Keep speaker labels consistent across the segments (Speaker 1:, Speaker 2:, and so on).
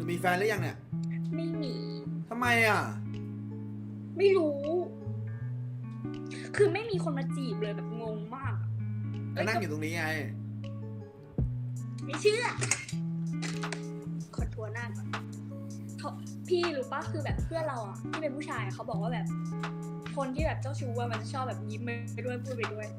Speaker 1: มีแฟนหรือยังเนี่ย
Speaker 2: ไม่มี
Speaker 1: ทำไมอ่ะ
Speaker 2: ไม่รู้คือไม่มีคนมาจีบเลยแบบงงมาก
Speaker 1: ก็นั่งอยู่ตรงนี้ไง
Speaker 2: ไม่เชื่อขอทัวร์หน้าก่อนพี่รู้ปะคือแบบเพื่อนเราอ่ะที่เป็นผู้ชายเขาบอกว่าแบบคนที่แบบเจ้าชู้ว่ามันจะชอบแบบยิ้มไปด้วยพูดไปด้วย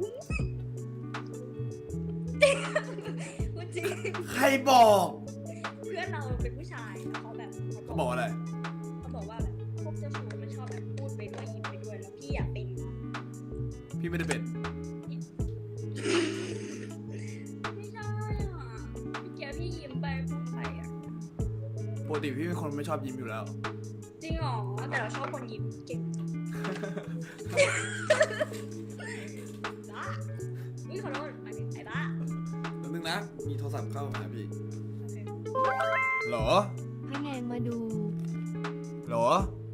Speaker 2: จริง
Speaker 1: ใครบอก
Speaker 2: เพื่อนเราเป็นผู้ชายเขาแบบ
Speaker 1: เขาบอกอะไร
Speaker 2: เขาบอกว่าแบบพวกเจ้าชู้มันชอบแบบพูดไปด้วยยิ้มไปด้วยแล้วพี่อยากเป็น
Speaker 1: พี่ไม่ได้เป็น
Speaker 2: ไม่ใช่อ่ะพี่เกียร์พี่ยิ้มไปพูดไปอ่ะ
Speaker 1: ปกติพี่เป็นคนไม่ชอบยิ้มอยู่แล้ว
Speaker 2: จริงหรอแต่เราชอบคนยิ้มเก่งบ้านี่ขอโทษไอ้บ้า
Speaker 1: แป๊บนึงนะมีโทรศัพท์เข้ามาพี่หรอ
Speaker 3: ให้แนนมาดู
Speaker 1: หรอ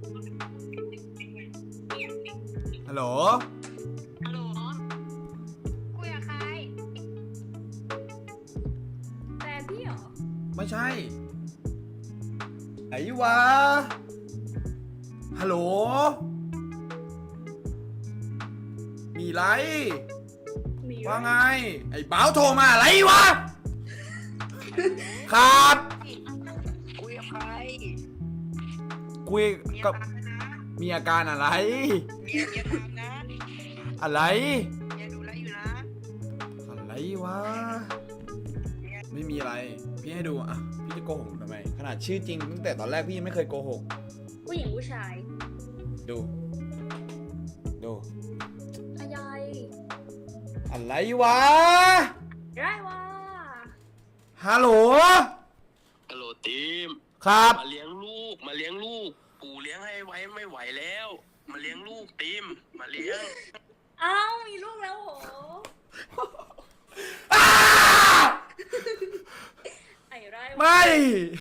Speaker 1: ฮัลโหล
Speaker 2: ฮัลโหลคุยกับใครแฟนพี่เหรอ
Speaker 1: ไม่ใช่ไหนวะฮัลโหลมีไรว่าไงไอ้บ้าวโทรมาอะไรวะครับ
Speaker 4: คุยกับใคร
Speaker 1: คุยกับมีอาการอะไร
Speaker 4: เมียทำนะ
Speaker 1: อะไร
Speaker 4: เมียดูแลอยู่นะ
Speaker 1: อะไรวะไม่มีอะไรพี่ให้ดูอ่ะพี่จะโกหกทำไมขนาดชื่อจริงตั้งแต่ตอนแรกพี่ยังไม่เคยโกหก
Speaker 2: ผู้หญิงผู้ชาย
Speaker 1: ดู
Speaker 2: อะไร
Speaker 1: วะ
Speaker 2: ได้วะ
Speaker 1: ฮัลโหล
Speaker 4: ทีม
Speaker 1: ครับ
Speaker 4: มาเลี้ยงลูกปู่เลี้ยงให้ไว้ไม่ไหวแล้วมาเลี้ยงลูกทีมมาเลี้ยง
Speaker 2: อ้าวมีลูกแล้วโหไอ้ไรวะ
Speaker 1: ไม่